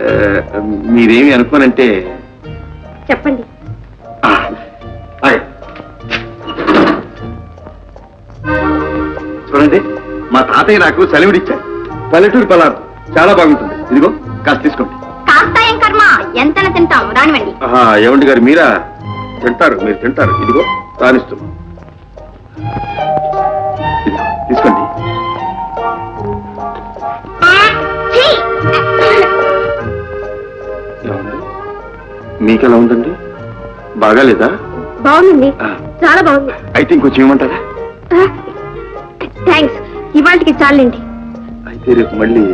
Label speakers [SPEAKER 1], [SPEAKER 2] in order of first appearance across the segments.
[SPEAKER 1] మీరేమి అనుకోనంటే
[SPEAKER 2] చెప్పండి.
[SPEAKER 1] చూడండి, మా తాతయ్య నాకు సెలవుడిచ్చారు. పల్లెటూరు పలారం చాలా బాగుంటుంది. ఇదిగో కాస్త తీసుకోండి.
[SPEAKER 2] కాస్త ఏం కర్మ, ఎంతన తింటాం, రానివ్వండి.
[SPEAKER 1] ఏమండి గారు, మీరా తింటారు? మీరు తింటారు. ఇదిగో రానిస్తున్నాం, తీసుకోండి. మీకెలా ఉందండి? బాగాలేదా?
[SPEAKER 2] బాగుందండి, చాలా బాగుంది.
[SPEAKER 1] అయితే ఇంకొంచెం ఏమంటారా?
[SPEAKER 2] థ్యాంక్స్, ఇవాళకి చాలండి.
[SPEAKER 1] అయితే రేపు మళ్ళీ.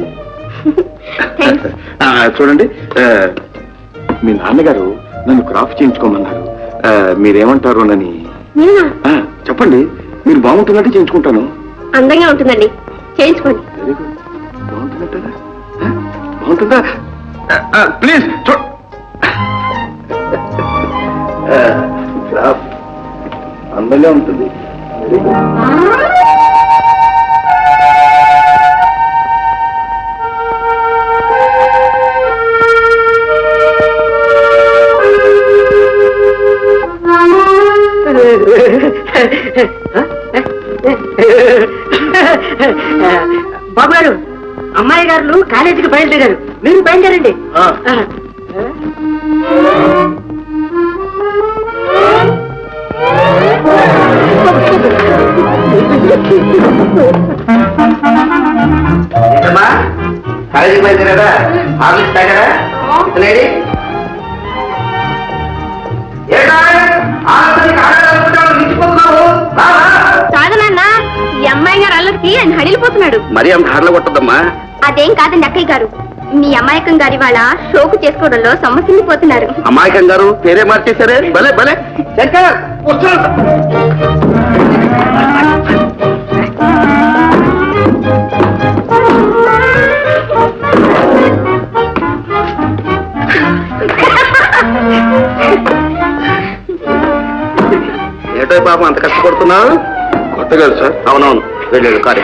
[SPEAKER 1] చూడండి, మీ నాన్నగారు నన్ను క్రాఫ్ చేయించుకోమన్నారు. మీరేమంటారు నని చెప్పండి. మీరు బాగుంటున్నట్టు చేయించుకుంటాను.
[SPEAKER 2] అందంగా ఉంటుందండి, చేయించుకోండి.
[SPEAKER 1] బాగుంటున్నట్టా? బాగుంటుందా? ప్లీజ్ క్రాఫ్ అందంగా ఉంటుంది.
[SPEAKER 3] బాబు గారు, అమ్మాయి గారు కాలేజీకి బయలుదేరారు, మీరు బయలుదేరండి.
[SPEAKER 4] కాలేజీకి బయలుదేరారా? ఆఫీస్ తాగారా? ఇతనేడి
[SPEAKER 2] కాదు నాన్న, ఈ అమ్మాయి గారు అల్లరికి ఆయన హడిలిపోతున్నాడు.
[SPEAKER 1] మరి అంత హార్ల కొట్టద్దమ్మా.
[SPEAKER 2] అదేం కాదండి అక్కయ్య గారు, మీ అమాయకం గారి వాళ్ళ షోకు చేసుకోవడంలో సమస్యపోతున్నారు.
[SPEAKER 1] అమాయకం గారు పేరే మార్చేశారే. భలే భలే. శంకర్ ఏటో పాపం అంత కష్టపడుతున్నావు? కొత్త కాదు సార్. అవునవును, వెళ్ళాడు కారే.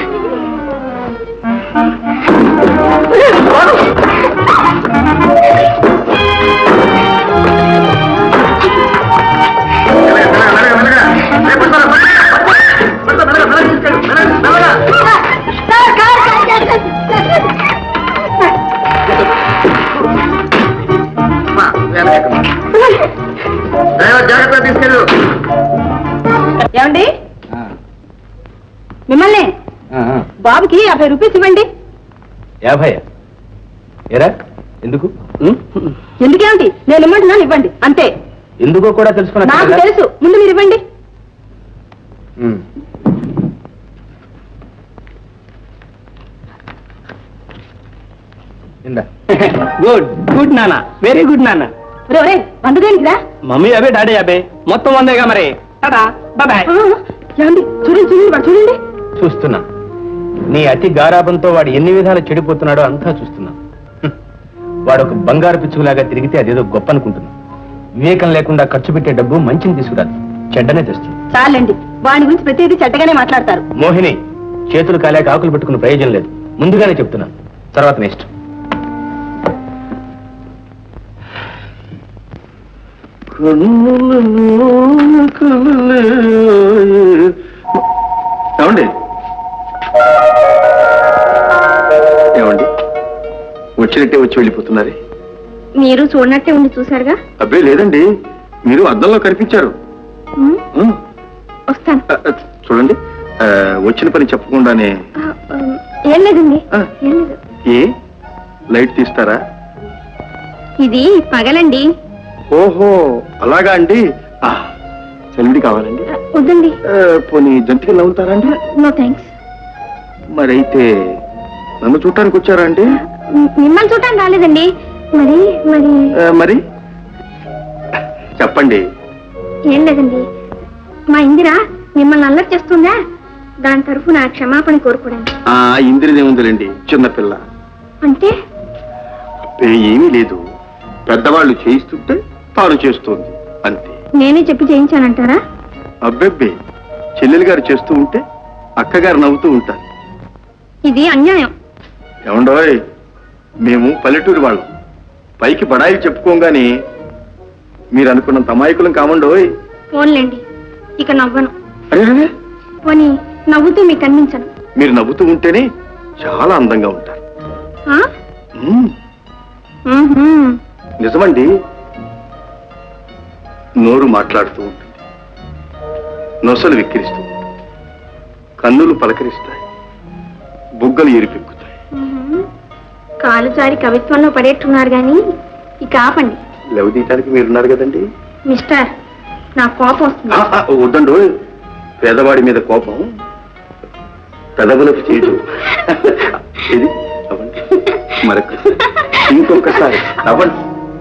[SPEAKER 1] జాగ్రత్తగా తీసుకెళ్ళు.
[SPEAKER 3] ఏమండి, మిమ్మల్ని బాబుకి 50 రూపీస్ ఇవ్వండి.
[SPEAKER 5] 50? ఏరా ఎందుకు?
[SPEAKER 3] ఎందుకేమిటి, నేను ఇమ్మంటున్నాను, ఇవ్వండి అంతే.
[SPEAKER 5] ఎందుకో కూడా తెలుసుకున్నా.
[SPEAKER 3] నాకు తెలుసు, ముందు మీరు ఇవ్వండి.
[SPEAKER 5] గుడ్ గుడ్ నాన్న, వెరీ గుడ్ నాన్న.
[SPEAKER 3] వందదేనికిరా?
[SPEAKER 5] మమ్మీ 50, డాడీ 50, మొత్తం 100గా మరి. బాయ్.
[SPEAKER 3] ఏమండి, చూడండి చూడండి, వాడు చూడండి.
[SPEAKER 5] చూస్తున్నా, నీ అతి గారాబంతో వాడు ఎన్ని విధాలు చెడిపోతున్నాడో అంతా చూస్తున్నా. వాడు ఒక బంగారు పిచ్చుకులాగా తిరిగితే అదేదో గొప్ప అనుకుంటున్నా. వివేకం లేకుండా ఖర్చు పెట్టే డబ్బు మంచిని తీసుకురాదు, చెడ్డనే తెస్తుంది.
[SPEAKER 3] చాలండి, వాడి గురించి ప్రతిదీ చెడ్డగానే మాట్లాడతారు.
[SPEAKER 5] మోహిని, చేతులు కాలేక ఆకులు పెట్టుకున్న ప్రయోజనం లేదు. ముందుగానే చెప్తున్నాను, తర్వాత నెక్స్ట్.
[SPEAKER 1] ఏమండి ఏమండి వచ్చినట్టే వచ్చి వెళ్ళిపోతున్నారే?
[SPEAKER 2] మీరు చూడనట్టే ఉండి చూసారుగా.
[SPEAKER 1] అబ్బే లేదండి, మీరు అద్దంలో కనిపించారు.
[SPEAKER 2] వస్తాను.
[SPEAKER 1] చూడండి, వచ్చిన పని చెప్పకుండానే.
[SPEAKER 2] ఏం లేదండి, ఏం లేదు.
[SPEAKER 1] ఏ లైట్ తీస్తారా?
[SPEAKER 2] ఇది పగలండి.
[SPEAKER 1] ఓహో అలాగా అండి. సెలవుడి కావాలండి?
[SPEAKER 2] వద్దండి.
[SPEAKER 1] పోనీ జంతికి నవ్వుతారా అండి?
[SPEAKER 2] No thanks.
[SPEAKER 1] మరైతే నన్ను చూడటానికి వచ్చారా అండి?
[SPEAKER 2] మిమ్మల్ని చూడటానికి రాలేదండి. మరి మరి
[SPEAKER 1] మరి చెప్పండి.
[SPEAKER 2] ఏం లేదండి, మా ఇందిరా మిమ్మల్ని అల్లరి చేస్తుందా, దాని తరఫున క్షమాపణ కోరుకోవడానికి.
[SPEAKER 1] ఇందిరిదేముందిలేండి, చిన్నపిల్ల.
[SPEAKER 2] అంటే
[SPEAKER 1] ఏమీ లేదు, పెద్దవాళ్ళు చేయిస్తుంటే తాను చేస్తుంది అంతే.
[SPEAKER 2] నేనే చెప్పి చేయించానంటారా?
[SPEAKER 1] అబ్బెబ్బే, చెల్లెలు గారు చేస్తూ ఉంటే అక్కగారు నవ్వుతూ ఉంటారు.
[SPEAKER 2] ఇది అన్యాయం.
[SPEAKER 1] ఏమండోయ్, మేము పల్లెటూరు వాళ్ళం, పైకి బడాయి చెప్పుకోగానే మీరు అనుకున్నంత అమాయకులం కామండోయ్.
[SPEAKER 2] ఫోన్లేండి, ఇక నవ్వను.
[SPEAKER 1] అరే,
[SPEAKER 2] పోనీ నవ్వుతూ మీకు కనిపించను.
[SPEAKER 1] మీరు నవ్వుతూ ఉంటేనే చాలా అందంగా ఉంటారు.
[SPEAKER 2] ఆ?
[SPEAKER 1] మ్మ్.
[SPEAKER 2] మ్మ్హ్మ్.
[SPEAKER 1] నిజమండి. నోరు మాట్లాడుతూ ఉంటుంది, నొసలు విక్కిరిస్తూ ఉంటుంది, కన్నులు పలకరిస్తాయి, బుగ్గలు ఎరిపెక్కుతాయి.
[SPEAKER 2] మ్మ్హ్మ్. కాలు జారి కవిత్వంలో పడేట్టున్నారు గాని ఇక ఆపండి.
[SPEAKER 1] లెవ తీయటానికి మీరున్నారు కదండి.
[SPEAKER 2] మిస్టర్, నా కోపం వస్తుంది.
[SPEAKER 1] వద్దండు, పేదవాడి మీద కోపం పెదవులకు చేయదు. ఇది అవ్వండి, మరొక ఇంకొకసారి అవ్వండి.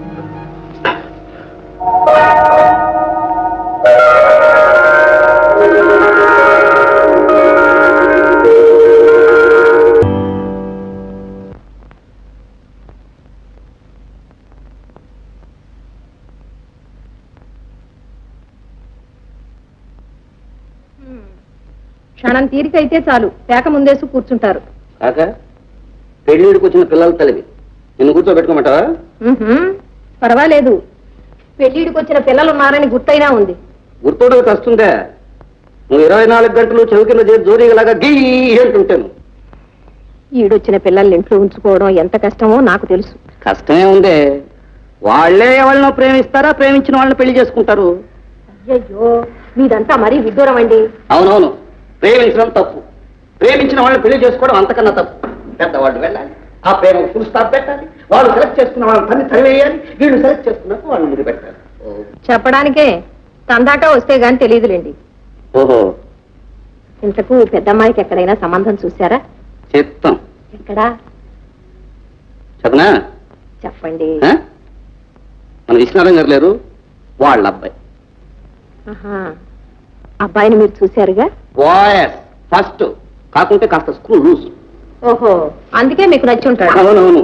[SPEAKER 3] క్షణం తీరికైతే చాలు, పేక ముందేసి కూర్చుంటారు.
[SPEAKER 4] కాక పెళ్లిడికి వచ్చిన పిల్లల తల్లివి, నిన్ను కూర్చోబెట్టుకోమంటావా?
[SPEAKER 3] పర్వాలేదు, పెళ్లిడికి వచ్చిన పిల్లలు ఉన్నారని గుర్తైనా ఉంది.
[SPEAKER 4] గుర్తోడకి వస్తుందే, నువ్వు 24 గంటలు చెవి కింద చేసి జోరీలాగా గీ అంటుంటాను.
[SPEAKER 3] ఈడొచ్చిన పిల్లల్ని ఇంట్లో ఉంచుకోవడం ఎంత కష్టమో నాకు తెలుసు.
[SPEAKER 4] కష్టమే ఉందే, వాళ్లే ఎవరినో ప్రేమిస్తారా, ప్రేమించిన వాళ్ళని పెళ్లి చేసుకుంటారు.
[SPEAKER 3] అయ్యయ్యో, మీదంతా మరీ విడ్డూరం అండి.
[SPEAKER 4] అవునవును, ప్రేమించడం తప్పు, ప్రేమించిన వాళ్ళని పెళ్లి చేసుకోవడం అంతకన్నా తప్పు. పెద్దవాళ్ళు వెళ్ళాలి, ఆ ప్రేమ ఫుల్ స్టాప్ పెట్టాలి, వాళ్ళు సెలెక్ట్ చేసుకున్న వాళ్ళని తన్ని తరివేయాలి, వీళ్ళు సెలెక్ట్ చేసుకున్నట్టు వాళ్ళు ముందు పెట్టాలి.
[SPEAKER 3] చెప్పడానికే తందాక వస్తే గాని తెలియదులేండి.
[SPEAKER 4] ఓహో,
[SPEAKER 3] ఇంతకు పెద్దమ్మాయికి ఎక్కడైనా సంబంధం చూశారా?
[SPEAKER 4] చెప్తాం.
[SPEAKER 3] ఎక్కడా
[SPEAKER 4] చదనా
[SPEAKER 3] చెప్పండి.
[SPEAKER 4] మన విశ్వనాథం గారు లేరు, వాళ్ళ అబ్బాయి.
[SPEAKER 3] ఆహా, అబ్బాయిని మీరు చూశారుగా?
[SPEAKER 4] బాయస్ ఫస్ట్, కాకుంటే కాస్త స్కూల్ లూజ్.
[SPEAKER 3] ఓహో, అందుకే మీకు నచ్చి ఉంటాడు.
[SPEAKER 4] అవునవును.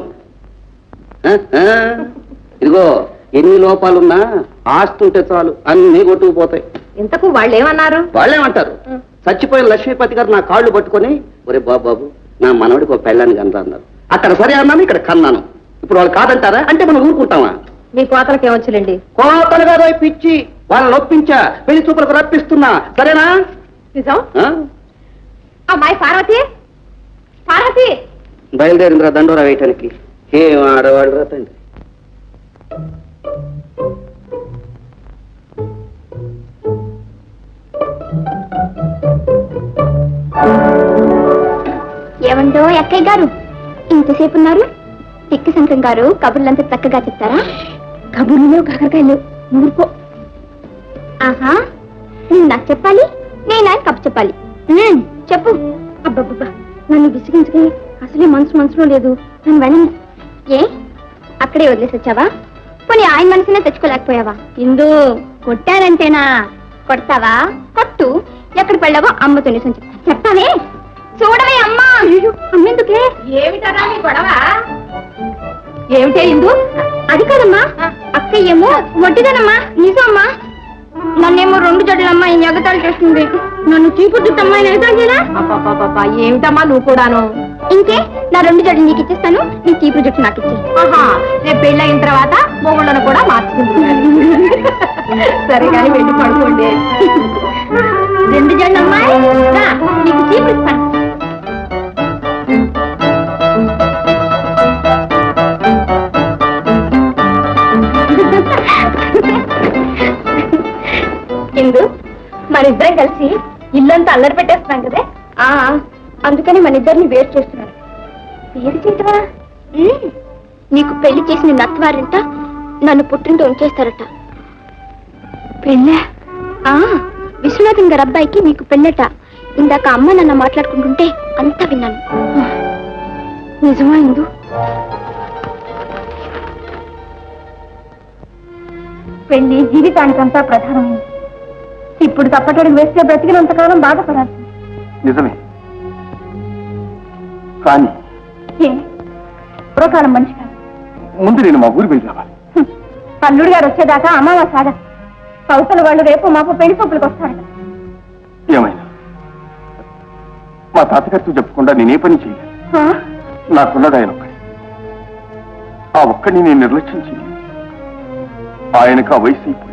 [SPEAKER 4] ఇదిగో, ఎన్ని లోపాలున్నా ఆస్తి ఉంటే చాలు, అన్ని కొట్టుకుపోతాయి.
[SPEAKER 3] ఇంతకు వాళ్ళు ఏమన్నారు?
[SPEAKER 4] వాళ్ళేమంటారు, చచ్చిపోయిన లక్ష్మీపతి గారు నా కాళ్ళు పట్టుకొని, ఒరే బాబు నా మనవడికి ఒక పెళ్ళాన్ని కన్నా అన్నారు. అక్కడ సరే అన్నాను, ఇక్కడ కన్నాను. ఇప్పుడు వాళ్ళు కాదంటారా అంటే మనం ఊరుకుంటామా?
[SPEAKER 3] మీ కోతలకి ఏమొచ్చులేండి.
[SPEAKER 4] కోతలు కాదు, పిచ్చి వాళ్ళని ఒప్పించా, పెళ్లి చూపులకు రప్పిస్తున్నా. సరేనా?
[SPEAKER 3] నిజం. అమ్మాయి పార్వతి, పార్వతి
[SPEAKER 4] బయలుదేరిందిరా దండోరా వేయటానికి. ఏం ఆడవాడు రా తండ్రి.
[SPEAKER 2] ఏమండో అక్కయ్య గారు, ఇంతసేపు ఉన్నారు? తిక్కి శంకరం గారు కబుర్లంతా చక్కగా చెప్తారా? కబుర్లు కాకరకాయలు ఊరుకో. ఆహా, నువ్వు నాకు చెప్పాలి, నేను ఆయన కబు చెప్పాలి. చెప్పు. అబ్బబ్బబ్బా, నన్ను విసిగించుకుని అసలే మనసులో లేదు. నన్ను వెళ్ళండి. ఏ అక్కడే వదిలేసి వచ్చావా? పోనీ ఆయన మనసునే తెచ్చుకోలేకపోయావా? ఇందు కొట్టానంటేనా? కొడతావా? కొట్టు. ఎక్కడ పెళ్ళావో అమ్మతో నిజం చెప్తావే. చూడవే అమ్మా. అమ్మెందుకే?
[SPEAKER 3] ఏమిటరా మీ గొడవ?
[SPEAKER 2] ఏమిటే ఇందు? అది కాదమ్మా, అక్క ఏమో వడ్డీదనమ్మా. నిజమ్మా, నన్నేమో 2 జడ్లమ్మా ఈ ఎగతాలు చేస్తుంది. నన్ను చీపుద్దుట్టమ్మా ఎగతాలు చేయరా?
[SPEAKER 3] అబ్బా, ఏమిటమ్మా నువ్వు కూడాను?
[SPEAKER 2] ఇంకే, నా 2 జడ్లు నీకు ఇచ్చేస్తాను, నీ చీపురు జుట్టు నాకు ఇచ్చే.
[SPEAKER 3] ఆహా, రేపు పెళ్ళయిన తర్వాత మొగుళ్ళను కూడా మార్చుకుంటున్నాను. సరే కానీ వెళ్ళి పడుకోండి.
[SPEAKER 2] 2 జడ్లమ్మా, నీకు చీపురు ఇస్తాను. ఇందు, మనిద్దరం కలిసి ఇల్లంతా అల్లరి పెట్టేస్తున్నాం కదే. అందుకని మన ఇద్దరిని వేరు చేస్తున్నారు. వేరు చేయటమా? నీకు పెళ్లి చేసిన నత్వారింట నన్ను పుట్టింటూ ఉంచేస్తారట. పెళ్ళా? విశ్వనాథన్ గారి అబ్బాయికి నీకు పెళ్ళట. ఇందాక అమ్మ నన్ను మాట్లాడుకుంటుంటే అంతా విన్నాను. నిజమా ఇందు? పెళ్లి జీవితానికంతా ప్రధానమైంది. ఇప్పుడు తప్పటడుగు వేస్తే బ్రతికినంతకాలం బాధపడాలి.
[SPEAKER 1] నిజమే, కానీ
[SPEAKER 2] పూర్వకాలం మనిషి కాదు.
[SPEAKER 1] ముందు నేను మా ఊరి వెళ్ళి రావాలి.
[SPEAKER 2] అల్లుడు గారు వచ్చేదాకా అమావా సాగ. కౌసల వాళ్ళు రేపు మాపు పెళ్లి చూపులకు వస్తారట.
[SPEAKER 1] ఏమైనా మా తాతగారితో చెప్పకుండా నేనే పని చేయలేదు. నాకున్నది ఆయన ఒక్కడే.
[SPEAKER 6] ఆ ఒక్కడిని నేను నిర్లక్ష్యం చేయను. ఆయనకు ఆ వయసు అయిపోయింది.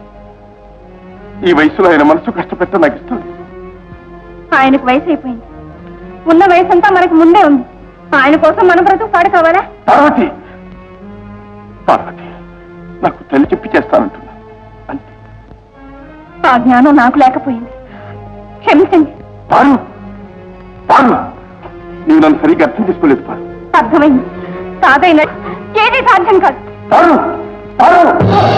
[SPEAKER 6] ఈ వయసులో ఆయన మనసు కష్టపెట్ట నాకు ఇష్టం లేదు.
[SPEAKER 2] ఆయనకు వయసు అయిపోయింది. ఉన్న వయసు అంతా మనకు ముందే ఉంది. ఆయన కోసం మన బ్రతుకు పాడు కావాలా?
[SPEAKER 6] పార్వతి, పార్వతి, నాకు తల్లి చెప్పి చేస్తానంటున్నా అంతే.
[SPEAKER 2] ఆ జ్ఞానం నాకు లేకపోయింది. క్షమించండి.
[SPEAKER 6] పారు, పారు, నీవు నన్ను సరిగ్గా అర్థం చేసుకోలేదు. పారు,
[SPEAKER 2] అర్థమైంది. సాధైన ఏది సాధ్యం కాదు.
[SPEAKER 6] పారు, పారు.